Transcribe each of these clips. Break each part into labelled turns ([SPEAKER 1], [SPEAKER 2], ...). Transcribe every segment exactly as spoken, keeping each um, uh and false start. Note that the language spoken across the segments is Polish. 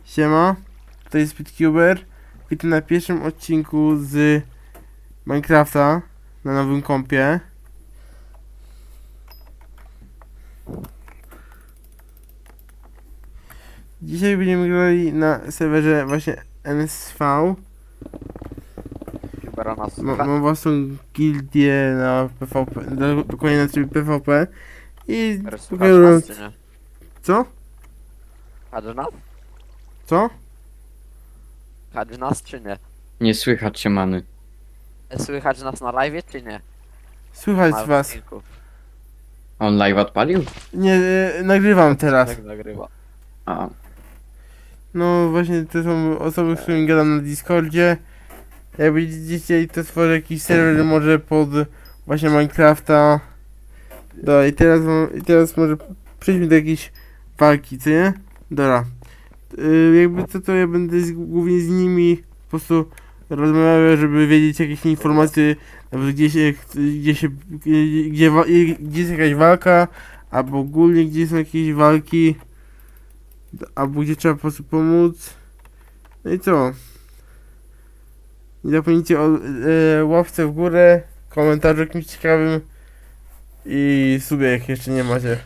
[SPEAKER 1] Siema, to jest Speedcuber. Witam na pierwszym odcinku z Minecrafta na nowym kompie. Dzisiaj będziemy grali na serwerze właśnie N S V. Ma, mam własną gildię na P V P, do- dokładnie na trybie P V P. I pokażę wam... Co?
[SPEAKER 2] Kadrzy nas?
[SPEAKER 1] Co?
[SPEAKER 2] Kadrzy nas czy nie?
[SPEAKER 3] Nie słychać cię, many.
[SPEAKER 2] Słychać nas na live czy nie?
[SPEAKER 1] Słychać
[SPEAKER 2] Na
[SPEAKER 1] was.
[SPEAKER 2] odcinku.
[SPEAKER 3] On live odpalił?
[SPEAKER 1] Nie, e, nagrywam teraz.
[SPEAKER 2] Tak nagrywa.
[SPEAKER 3] A,
[SPEAKER 1] No właśnie to są osoby, z którymi gadam na Discordzie. Jak będziecie chcieli, to stworzę jakiś serwer może pod właśnie Minecrafta. Dobra, i teraz, mam- i teraz może przejdźmy do jakiejś walki, co nie? Dobra. Yy, jakby co, to ja będę z, głównie z nimi po prostu rozmawiał, żeby wiedzieć jakieś informacje, nawet gdzie się, gdzie się, gdzie, gdzie, wa- gdzie jest jakaś walka, albo ogólnie gdzie są jakieś walki, albo gdzie trzeba po prostu pomóc. No i co? Nie zapomnijcie o e, łapce w górę, komentarzu jakimś ciekawym i subie, jak jeszcze nie macie.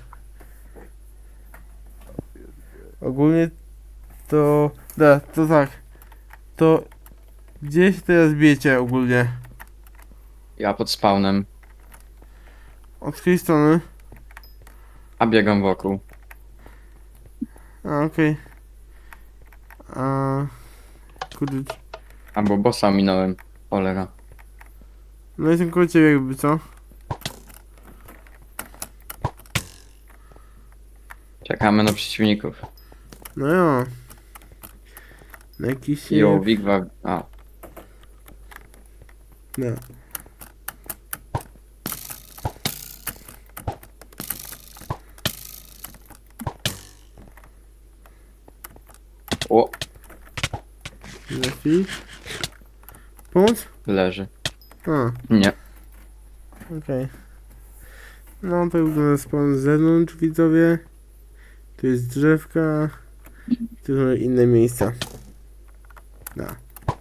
[SPEAKER 1] Ogólnie to... Da, to tak. To... Gdzie się teraz bijecie ogólnie?
[SPEAKER 3] ja pod spawnem,
[SPEAKER 1] Od której strony?
[SPEAKER 3] a biegam wokół.
[SPEAKER 1] A, okej. A... Kurde...
[SPEAKER 3] Albo bossa minąłem. Cholera.
[SPEAKER 1] No jestem koło ciebie jakby, co?
[SPEAKER 3] Czekamy na przeciwników.
[SPEAKER 1] No jo. Na jakiś...
[SPEAKER 3] Jo, Wigwa... A,
[SPEAKER 1] No.
[SPEAKER 3] o,
[SPEAKER 1] Lepiej. Pomóc?
[SPEAKER 3] leży.
[SPEAKER 1] A.
[SPEAKER 3] Nie.
[SPEAKER 1] Okej. No to wygląda spawn z zewnątrz, widzowie. Tu jest drzewka. Tu są inne miejsca. Da.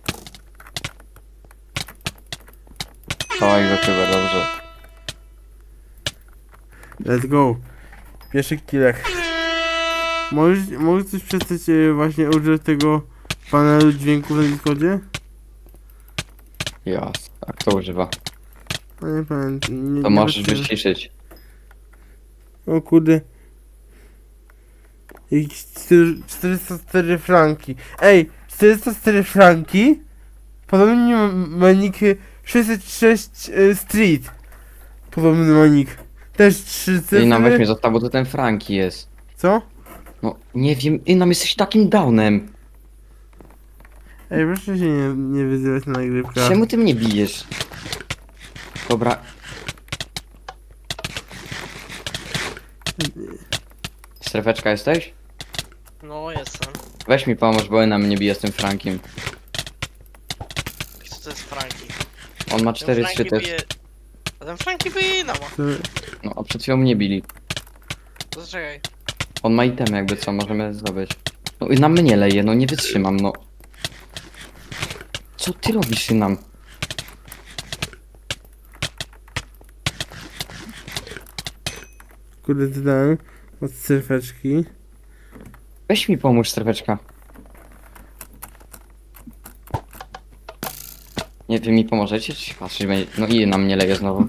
[SPEAKER 3] Oj, chyba dobrze.
[SPEAKER 1] Let's go. Pierwszy killek. Możesz, możesz coś przestać e, właśnie użyć tego panelu dźwięków na Discordzie?
[SPEAKER 3] Jas. A kto używa?
[SPEAKER 1] No nie pamiętam. Nie,
[SPEAKER 3] To
[SPEAKER 1] nie
[SPEAKER 3] możesz
[SPEAKER 1] patrzyłem.
[SPEAKER 3] wyciszyć.
[SPEAKER 1] O kurde. Jakieś cztery- czterysta cztery franki. Ej, czterysta cztery franki? Podobnie ma nick sześćset sześć e, Street. Podobny ma nick. Też trzy
[SPEAKER 3] I nam weź mnie
[SPEAKER 1] cyfry.
[SPEAKER 3] został, bo to ten Franki jest.
[SPEAKER 1] Co?
[SPEAKER 3] No, nie wiem, i nam jesteś takim downem.
[SPEAKER 1] Ej, proszę się nie, nie wyzywać na nagrywkach.
[SPEAKER 3] Czemu ty mnie bijesz? Dobra. Strefeczka jesteś?
[SPEAKER 4] No jestem.
[SPEAKER 3] Weź mi pomóż, bo na mnie bije z tym Frankiem.
[SPEAKER 4] Co to jest Franki?
[SPEAKER 3] On ma
[SPEAKER 4] Ten
[SPEAKER 3] cztery
[SPEAKER 4] Franki
[SPEAKER 3] szczyty.
[SPEAKER 4] bije... A ten Franki bije inna ma.
[SPEAKER 1] To,
[SPEAKER 3] No, a przed chwilą mnie bili.
[SPEAKER 4] To zaczekaj.
[SPEAKER 3] On ma itemy jakby co, możemy zdobyć. No i na mnie leje, no nie wytrzymam, no. Co ty robisz nam?
[SPEAKER 1] kurde, dodałem od cyfeczki.
[SPEAKER 3] Weź mi pomóż, strefeczka. Nie, wy mi pomożecie? Czy się patrzeć będzie? No i na mnie leje znowu.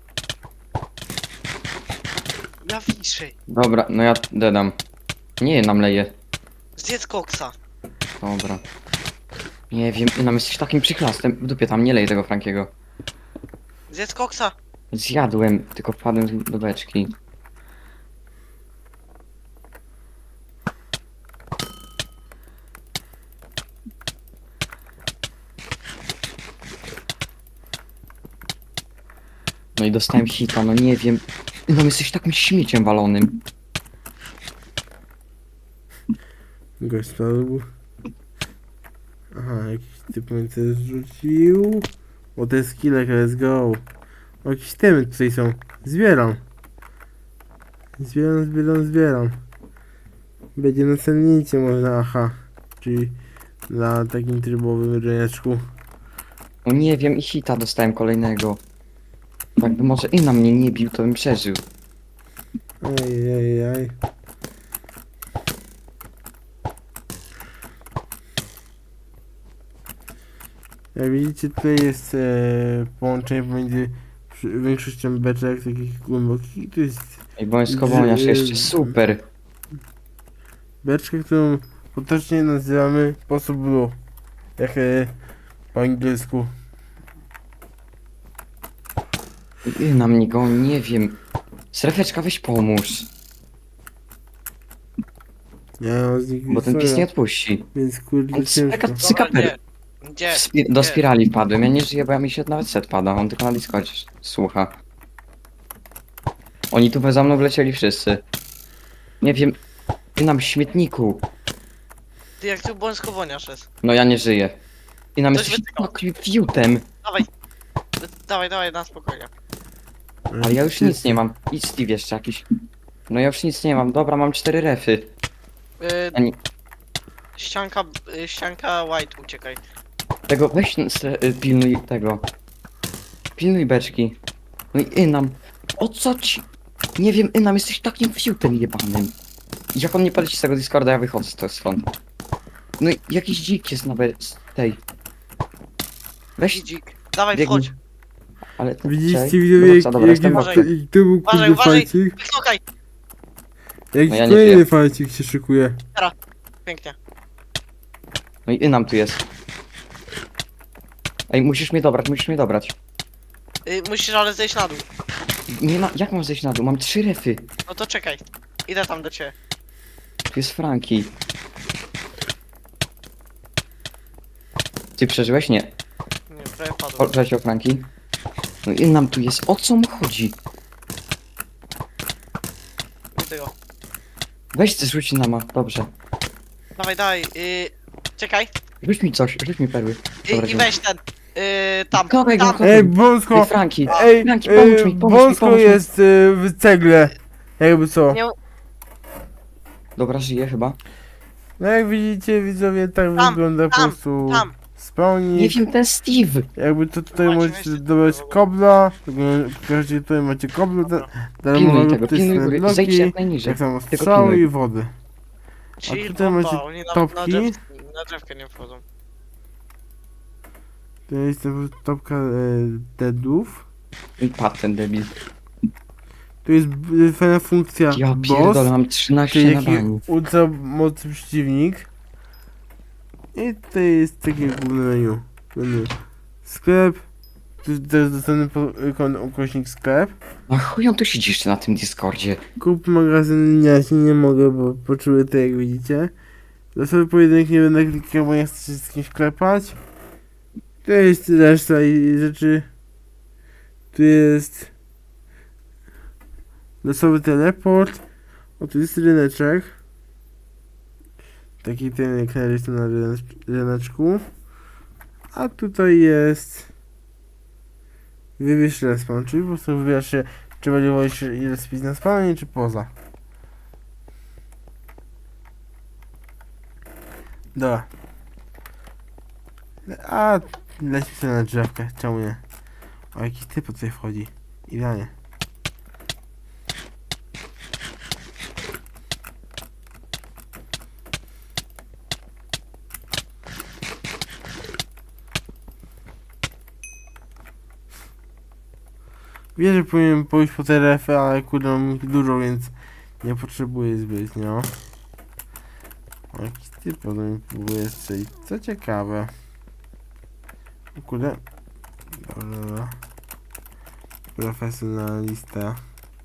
[SPEAKER 4] Ja wiszę.
[SPEAKER 3] Dobra, no ja dedam. Nie, nam leje.
[SPEAKER 4] Zjedz koksa.
[SPEAKER 3] Dobra. Nie wiem, nam jesteś takim przychlastem. W dupie tam nie lej tego Frankiego.
[SPEAKER 4] Zjedz koksa.
[SPEAKER 3] Zjadłem, tylko wpadłem do beczki. No i dostałem hita, no nie wiem. No jesteś takim śmieciem walonym.
[SPEAKER 1] Gość spadł. Aha, jakiś typ mnie coś zrzucił. O, to jest killek, let's go. O, jakieś temy tutaj są. Zbieram. Zbieram, zbieram, zbieram. Będzie na cennicie można, aha. czyli na takim trybowym ryneczku.
[SPEAKER 3] No nie wiem, i hita dostałem kolejnego. Jakby może i na mnie nie bił, to bym przeżył.
[SPEAKER 1] Ej, ej, ej. Jak widzicie, tutaj jest e, połączenie pomiędzy przy- większością beczek takich głębokich. To jest
[SPEAKER 3] Ej, wojskowoniarz jeszcze, super.
[SPEAKER 1] beczka, którą potocznie nazywamy sposób blue. Jak e, po angielsku.
[SPEAKER 3] I na mnie go, nie wiem. Strefeczka, weź pomóż,
[SPEAKER 1] Ja mam z nich
[SPEAKER 3] bo ten pies
[SPEAKER 1] soja,
[SPEAKER 3] nie odpuści.
[SPEAKER 1] więc kurde
[SPEAKER 3] On
[SPEAKER 1] ciężko.
[SPEAKER 3] speka-
[SPEAKER 4] Dobra,
[SPEAKER 3] Cykaper.
[SPEAKER 4] gdzie? Gdzie?
[SPEAKER 3] W spi- do spirali wpadłem, ja nie żyję, bo ja mi się nawet set pada, on tylko na Discordzie słucha. Oni tu za mną wlecieli wszyscy. Nie wiem, ty nam w śmietniku.
[SPEAKER 4] Ty jak tu wojskowoniarz jest.
[SPEAKER 3] No ja nie żyję. Ty nam
[SPEAKER 4] Ktoś
[SPEAKER 3] jesteś
[SPEAKER 4] wytykał.
[SPEAKER 3] takim fiutem.
[SPEAKER 4] Dawaj. Dawaj, dawaj, na spokojnie.
[SPEAKER 3] Ale ja już nic nie mam. Idź Steve jeszcze jakiś. No ja już nic nie mam, dobra, mam cztery refy.
[SPEAKER 4] Yy,
[SPEAKER 3] Ani
[SPEAKER 4] ścianka, yy, ścianka white, uciekaj.
[SPEAKER 3] tego, weź n- stre- y, pilnuj tego. Pilnuj beczki. No i Inam. O co ci? Nie wiem, Inam, jesteś takim fiutem jebanym. Jak on nie poleci z tego Discorda, ja wychodzę z tego stąd. No i jakiś dzik jest na be- z tej. Weź,
[SPEAKER 4] Idzik. Dawaj,
[SPEAKER 3] biegnij.
[SPEAKER 4] wchodź.
[SPEAKER 3] Ale to
[SPEAKER 1] Widzicie
[SPEAKER 3] czekaj.
[SPEAKER 1] widzowie,
[SPEAKER 3] Dobra, dobra,
[SPEAKER 1] jak,
[SPEAKER 3] jestem
[SPEAKER 1] jaki
[SPEAKER 4] Uważaj.
[SPEAKER 3] wakty.
[SPEAKER 1] jaki to był
[SPEAKER 4] Uważaj,
[SPEAKER 1] kurde
[SPEAKER 4] uważaj.
[SPEAKER 1] fajcik?
[SPEAKER 4] Wyknokaj.
[SPEAKER 1] Jaki
[SPEAKER 3] No ja nie
[SPEAKER 1] kolejny
[SPEAKER 3] żyję.
[SPEAKER 1] fajcik się szykuje.
[SPEAKER 4] Pięknie.
[SPEAKER 3] No i Inam tu jest. Ej, musisz mnie dobrać, musisz mnie dobrać.
[SPEAKER 4] Yy, musisz ale zejść na dół.
[SPEAKER 3] Nie ma, jak mam zejść na dół? Mam trzy refy.
[SPEAKER 4] No to czekaj. Idę tam do ciebie.
[SPEAKER 3] Tu jest Franki. Ty przeżyłeś? Nie.
[SPEAKER 4] Nie, prawie padłem.
[SPEAKER 3] Przeżył Franki. No i nam tu jest. O co mu chodzi?
[SPEAKER 4] Widzę go.
[SPEAKER 3] Weź ty rzuć nama. Dobrze.
[SPEAKER 4] Dawaj, dawaj. Yy, czekaj.
[SPEAKER 3] Rzuć mi coś, rzuć mi perły.
[SPEAKER 4] Yy,
[SPEAKER 3] Dobra,
[SPEAKER 4] I weź ten. Yy, tam.
[SPEAKER 3] Kopek,
[SPEAKER 4] tam.
[SPEAKER 3] kopek.
[SPEAKER 1] Ej,
[SPEAKER 3] Ej,
[SPEAKER 1] Bąsko!
[SPEAKER 3] Franki.
[SPEAKER 1] Ej,
[SPEAKER 3] Franki,
[SPEAKER 1] ej,
[SPEAKER 3] pomóż mi, pomóż mi,
[SPEAKER 1] Bąsko
[SPEAKER 3] pomóż mi.
[SPEAKER 1] jest y, w cegle. Jakby co.
[SPEAKER 4] Nie,
[SPEAKER 3] Dobra, żyje chyba.
[SPEAKER 1] No jak widzicie widzowie, tak
[SPEAKER 4] Tam,
[SPEAKER 1] wygląda po
[SPEAKER 4] tam,
[SPEAKER 1] prostu
[SPEAKER 4] tam.
[SPEAKER 3] Nie
[SPEAKER 1] spawnik.
[SPEAKER 3] wiem, ten Steve.
[SPEAKER 1] Jakby to tutaj
[SPEAKER 4] Macie,
[SPEAKER 1] możecie
[SPEAKER 4] weźcie
[SPEAKER 1] dobrać
[SPEAKER 4] tego.
[SPEAKER 1] kobla. Każdy tutaj macie kobla.
[SPEAKER 4] Dobra.
[SPEAKER 3] Pilnuj tego, pilnuj góry.
[SPEAKER 1] bloki,
[SPEAKER 3] Zejdź jak najniżej.
[SPEAKER 1] tak samo
[SPEAKER 3] Tylko
[SPEAKER 1] strzały
[SPEAKER 3] pilnuj.
[SPEAKER 1] i wody.
[SPEAKER 4] Chill,
[SPEAKER 1] tutaj
[SPEAKER 4] bomba,
[SPEAKER 1] macie
[SPEAKER 4] oni na, na,
[SPEAKER 1] topki.
[SPEAKER 4] drzew, na drzewkę nie wchodzą.
[SPEAKER 1] To jest po prostu topka e, deadów.
[SPEAKER 3] I padł ten debil.
[SPEAKER 1] Tu jest b- fajna funkcja
[SPEAKER 3] Ja
[SPEAKER 1] boss.
[SPEAKER 3] pierdolę, mam
[SPEAKER 1] Czyli
[SPEAKER 3] trzynaście na
[SPEAKER 1] taki
[SPEAKER 3] bani.
[SPEAKER 1] ultra mocny przeciwnik. I tutaj jest takie główne menu. Menu. Sklep. Tu to jest dostępny po- ikon ukośnik sklep.
[SPEAKER 3] A chuj on tu siedzi jeszcze na tym Discordzie.
[SPEAKER 1] Kup magazyn, ja się nie mogę, bo poczuły to jak widzicie. Losowy pojedynek nie będę klikał, bo nie chcę się z kimś klepać. Tu jest reszta i rzeczy. Tu jest losowy teleport. O, tu jest ryneczek. Taki ten jak narysowany na rynecz- ryneczku. A tutaj jest wybierz respawn, czyli po prostu wybierasz się, czy będzie wolisz ile spić na spawnie, czy poza. Dobra. A, leci sobie na drzewkę, czemu nie? O, jakiś typ tutaj wchodzi. Idealnie. Wiem, że powinienem pójść po te refy, ale kurde mam ich dużo, więc nie potrzebuję zbytnio. O, jakiś typ ode mnie próbuje strzelić. Co ciekawe. O kurde. Dobra, dobra. Profesjonalista.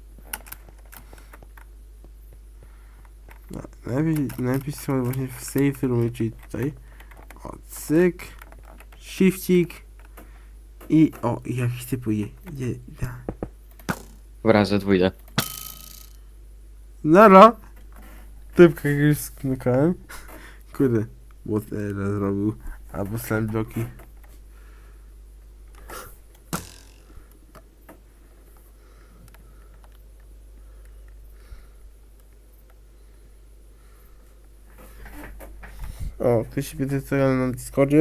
[SPEAKER 1] No, najlepiej, najlepiej sobie właśnie w safe roomie, czyli tutaj. O, cyk. Shiftik. I o, i jakiś typ je, je, da.
[SPEAKER 3] Dobra, ze dwójkę.
[SPEAKER 1] Nara! Typka jakiegoś sknukałem. Kurde, what era zrobił. Albo slam bloki. O, O, ktoś się pyta co ja na Discordzie.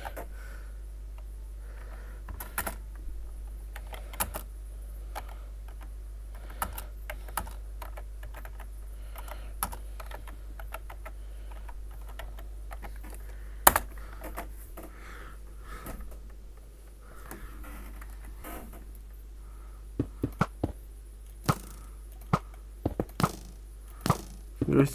[SPEAKER 1] Gość.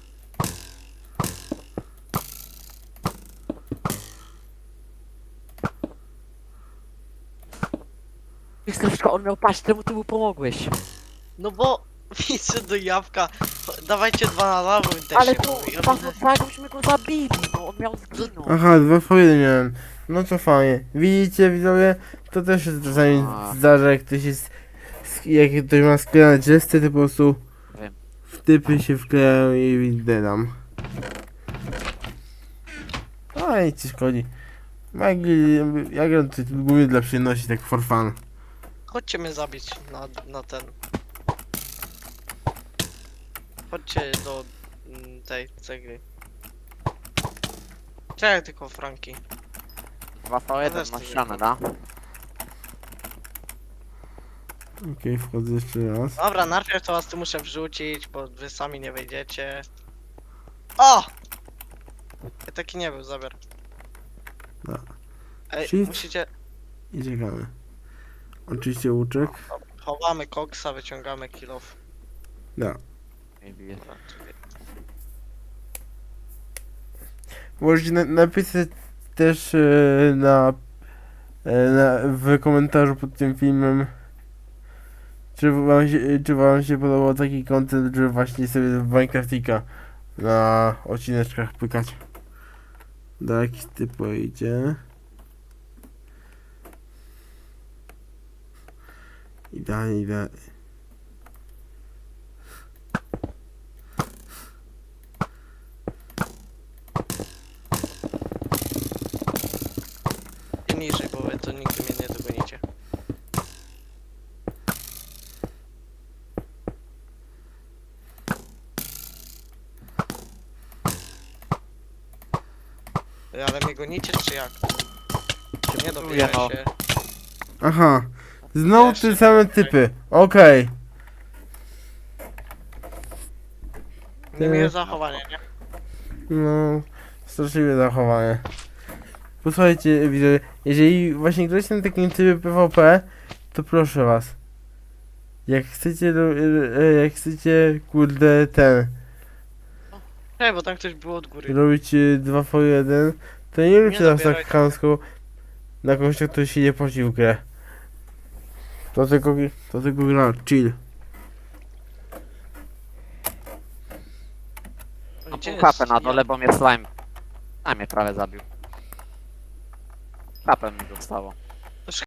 [SPEAKER 2] Krzysztof, on miał paść, czemu ty mu pomogłeś?
[SPEAKER 4] No bo widzę do jabłka. Dawajcie dwa na lawo i też
[SPEAKER 2] Ale
[SPEAKER 4] się
[SPEAKER 2] to,
[SPEAKER 4] mówi. Ja
[SPEAKER 2] tak,
[SPEAKER 4] będę-
[SPEAKER 2] tak, byśmy go zabili, no on miał zginąć.
[SPEAKER 1] Aha, dwa po jeden miałem. No to fajnie. Widzicie widzowie? To też się czasami
[SPEAKER 2] A.
[SPEAKER 1] zdarza, jak ktoś jest... sk- Jak ktoś ma sklejone drzewce, to po prostu...
[SPEAKER 2] Wiem.
[SPEAKER 1] W typy się wklejają i widam. A i ci szkodzi. Jak, ja gram to głównie dla przyjemności, tak for fun.
[SPEAKER 4] Chodźcie mnie zabić na, na ten. Chodźcie do mm, tej cegły. Czekaj tylko Franki.
[SPEAKER 2] dwa po jeden
[SPEAKER 4] też
[SPEAKER 2] na
[SPEAKER 4] to
[SPEAKER 2] ścianę,
[SPEAKER 4] wiem.
[SPEAKER 2] da?
[SPEAKER 1] Okej, wchodzę jeszcze raz.
[SPEAKER 4] Dobra, najpierw to was tu muszę wrzucić, bo wy sami nie wejdziecie. O! Ja taki nie był, zabier.
[SPEAKER 1] Da.
[SPEAKER 4] Ej,
[SPEAKER 1] Shift.
[SPEAKER 4] musicie...
[SPEAKER 1] I czekamy. Oczywiście łuczek.
[SPEAKER 4] Chowamy koksa, wyciągamy kill off.
[SPEAKER 1] Da.
[SPEAKER 2] Nie bije.
[SPEAKER 4] Dobra, czekaj.
[SPEAKER 1] Możecie na napisać też e, na, e, na w komentarzu pod tym filmem, czy wam się, czy wam się podobał taki content, że właśnie sobie w Minecraftika na odcineczkach pykać. Do jakiś typ pojedzie. Idealnie, idealnie.
[SPEAKER 4] I niżej, bo wy to nigdy mnie nie dogonicie. Ej, ale mnie gonicie czy jak? Czy nie dobijaj
[SPEAKER 2] no.
[SPEAKER 4] się?
[SPEAKER 1] Aha. Znowu
[SPEAKER 4] Jeszcze
[SPEAKER 1] te same typy. Okej.
[SPEAKER 4] Niemiłe zachowanie, nie?
[SPEAKER 1] No, straszliwe zachowanie. Posłuchajcie, widzowie, jeżeli właśnie gracie na takim trybie PvP, to proszę was. Jak chcecie, ro- e, jak chcecie, kurde, ten,
[SPEAKER 4] Hej, bo tam ktoś był od góry.
[SPEAKER 1] robić e, dwa po jeden, to nie róbcie nas tak
[SPEAKER 4] zabierajcie.
[SPEAKER 1] chamsko na kogoś, kto się nie płaci w grę. To tylko, to tylko gra, chill.
[SPEAKER 2] No
[SPEAKER 4] Gdzie
[SPEAKER 2] pół
[SPEAKER 4] jest
[SPEAKER 2] kapę na dole,
[SPEAKER 4] Jan?
[SPEAKER 2] bo mnie slime. A mnie prawie zabił. Kapę mi dostało.